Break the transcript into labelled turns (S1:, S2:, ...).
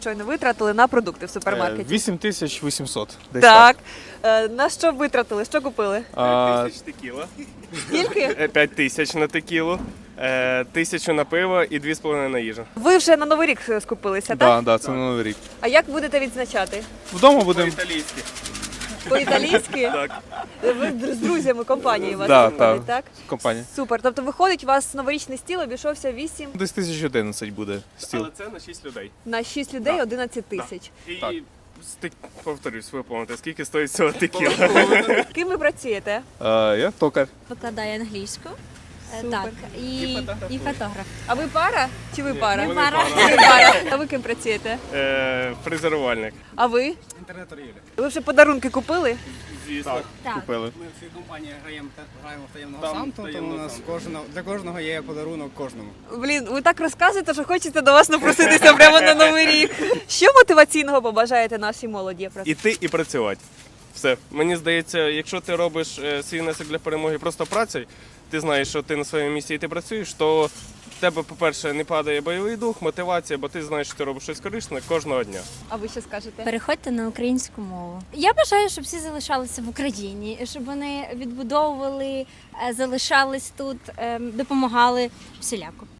S1: Щойно витратили на продукти в супермаркеті.
S2: 8800. Десь
S1: Так. На що витратили? Що купили?
S3: 5000 текіла,
S1: Скільки?
S3: 5000 на текілу, 1000 на пиво і 2,5 на їжу.
S1: Ви вже на Новий рік скупилися, так?
S2: Так, це на Новий рік.
S1: А як будете відзначати?
S2: Вдома будемо.
S3: По-італійськи.
S1: По-італійськи?
S3: Так.
S1: Ви з друзями компанії у вас
S2: Да,
S1: виходить, так?
S2: Компанія.
S1: Супер. Тобто виходить, у вас новорічний стіл обійшовся 8
S2: Десь 1011 буде стіл.
S3: Але це на 6 людей.
S1: на 6 людей
S3: Так.
S1: 11 тисяч.
S3: І
S2: Так.
S3: повторюсь, ви помните, скільки стоїть цього текіла?
S1: Ким ви працюєте?
S2: Я токар.
S4: Викладає англійську.
S1: Супер.
S4: Так, і фотограф.
S1: А ви пара? Чи ви пара?
S3: Вони
S4: пара.
S1: Ви пара. А ви ким працюєте?
S3: Фрезерувальник.
S1: А ви?
S5: Інтернет-торгівля.
S1: Ви вже подарунки купили?
S3: Звісно.
S4: Так.
S2: Купили.
S5: Ми в цій компанії граємо в таємного
S3: Там
S5: Санту, тому
S3: таємного
S5: у нас
S3: Санту.
S5: для кожного є подарунок кожному.
S1: Блін, ви так розказуєте, що хочете до вас напроситися прямо на Новий рік. Що мотиваційного побажаєте нашій молоді?
S3: Іти і працювати. Все. Мені здається, якщо ти робиш свій внесок для перемоги просто працею, ти знаєш, що ти на своєму місці і ти працюєш, то в тебе, по-перше, не падає бойовий дух, мотивація, бо ти знаєш, що ти робиш щось корисне кожного дня.
S1: А ви що скажете?
S4: Переходьте на українську мову. Я бажаю, щоб всі залишалися в Україні, щоб вони відбудовували, залишались тут, допомагали всіляко.